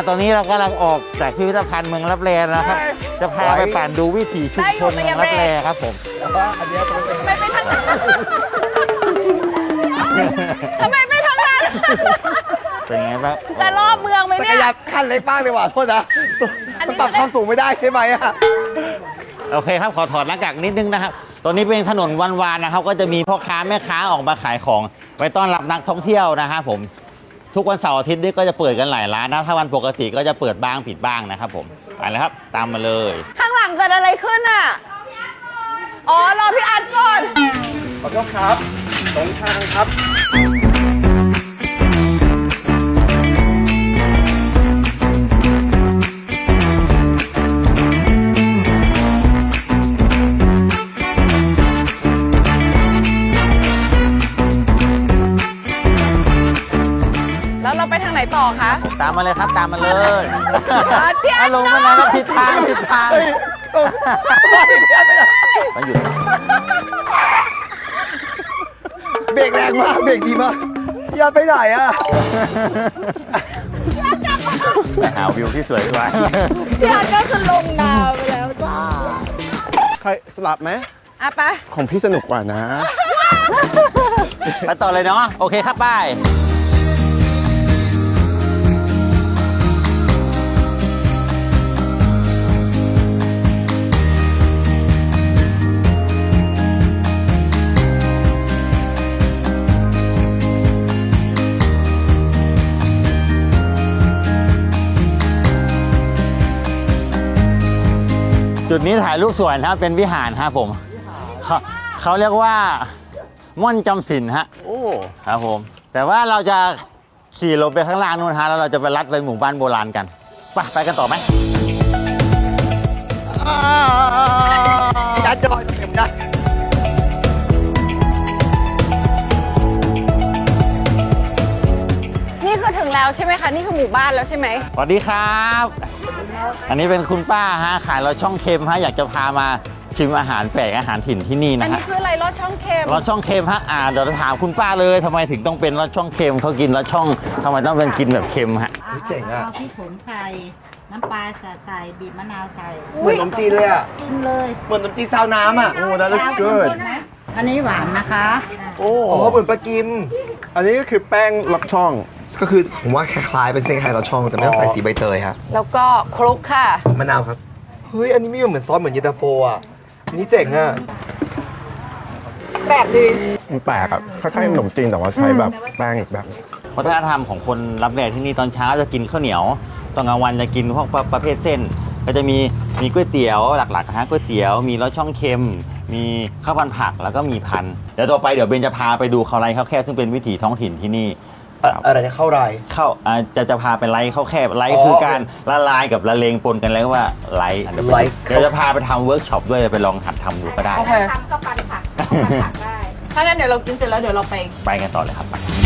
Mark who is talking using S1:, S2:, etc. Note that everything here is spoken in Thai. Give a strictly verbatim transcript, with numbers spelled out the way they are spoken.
S1: ตอนนี้เรากำลังออกจากพิพิธภัณฑ์เมืองลับแลนะครับจะพาไปปั่นดูวิถีชุมชนเมืองลับแลครับผมอันนี้ไม่ไปทางนั้น
S2: ทำไมไม่ทางนั้น
S1: เป็นไงบ้าง
S2: จะรอบเมืองไหมเนี่ย
S3: จักรยานขั้นเล็กบ้างเลยว่ะโทษนะมันปรับความสูงไม่ได้ใช่ไหมอะ
S1: โอเคครับขอถอดหน้ากากนิดนึงนะครับตอนนี้เป็นถนนวันวานนะครับก็จะมีพ่อค้าแม่ค้าออกมาขายของไว้ต้อนรับนักท่องเที่ยวนะครับผมทุกวันเสาร์อาทิตย์นี่ก็จะเปิดกันหลายร้านนะถ้าวันปกติก็จะเปิดบ้างปิดบ้างนะครับผมไปเลยครับตามมาเลย
S2: ข้างหลังเกิดอะไรขึ้นอ่ะอ๋อรอพี่อาร์ตก่อน
S3: ขอโทษครับตรงทางครับ
S2: แล้วเราไปทางไหนต่อคะ
S1: ตามมาเลยครับตามมาเลย
S2: พี่อาร์ต
S1: ลงมาแล้วก็ผิดทางผิดทางมันหยุด
S3: เบรกแรงมากเบรกดีมากอย่าไปไหนอ่ะ
S1: หาวิวที่สวยด้วย
S2: พี่อาร์ตก็จะลงนาไปแล้วจ้า
S3: ใครสลับไหม
S2: อ่ะไป
S3: ของพี่สนุกกว่านะ
S1: ไปต่อเลยเนาะโอเคครับป้ายจุดนี้ถ่ายรูปสวยนะครับเป็นวิหารครับผมเขาเขาเรียกว่าม่อนจำศีลฮะโอ้ครับผมแต่ว่าเราจะขี่ลงไปข้างล่างนู่นฮะแล้วเราจะไปลัดไปหมู่บ้านโบราณกันไปไปกันต่อไหม
S3: ยัดจอยเต็มได้
S2: นี่คือถึงแล้วใช่ไหมคะนี่คือหมู่บ้านแล้วใช่ไหม
S1: สวัสดีครับอันนี้เป็นคุณป้าฮะขายรสช่องเค็มฮะอยากจะพามาชิมอาหารแปลกอาหารถิ่นที่นี่นะฮะ
S2: อันนี้คืออะไรรสช่องเค็ม
S1: รสช่องเค็มฮะอ่าเดี๋ยวถามคุณป้าเลยทำไมถึงต้องเป็นรสช่องเค็มเขากินรสช่องทำไมต้องเป็นกินแบบเค็มฮะ
S3: เจ๋งอ่ะ
S4: พริกผงใส่น้ำปลาใส่บีบมะนาวใส่
S3: เหมือนขนมจีนเลยอ่ะ
S4: กินเลย
S3: เหมือนขนมจีนซาวน้ำอ่ะโอ้ that looks good
S4: อันนี้หวานนะคะ
S3: โอ้เหมือนปลากิมอันนี้ก็คือแป้งลักช่องก็คือผมว่าคล้ายๆเป็นเส้นคล้ายลักช่องแต่ไม่ต้องใส่สีใบเตยครับ
S2: แล้วก็คลุกค่ะ
S3: มะนาวครับเฮ้ยอันนี้มีเหมือนซอสเหมือนเย็นตาโฟอ่ะนี่เจ๋งอ่ะ
S2: แปลกดี
S3: มันแปลกอ่ะคล้ายๆขนมจีนแต่ว่าใช้แบบแป้งอีกแบบ
S1: วัฒนธรรมของคนรับแลที่นี่ตอนเช้าจะกินข้าวเหนียวตอนกลางวันจะกินพวกประเภทเส้นก็จะมีมีก๋วยเตี๋ยวหลักๆฮะก๋วยเตี๋ยวมีรสช่องเค็มมีข้าวพันผักแล้วก็มีพันเดี๋ยวต่อไปเดี๋ยวเบนจะพาไปดูข้าวไรข้าวแคบซึ่งเป็นวิถีท้องถิ่นที่นี่
S3: อะไรจะเข้าไร
S1: เข้าจะจะพาไปไลข้าวแคบไลคือการละลายกับละเลงปนกันแล้วว่าไลเดี๋ยวจะพาไปทำเวิร์กช็อปด้วยไปลองหัดทำดูก็ได้
S2: โอเคทำข้าวพันผักข้าวพันผักได้ถ้างั้นเดี๋ยวเรากินเสร็จแล้วเดี๋ยวเราไป
S1: ไปกันต่อเลยครับ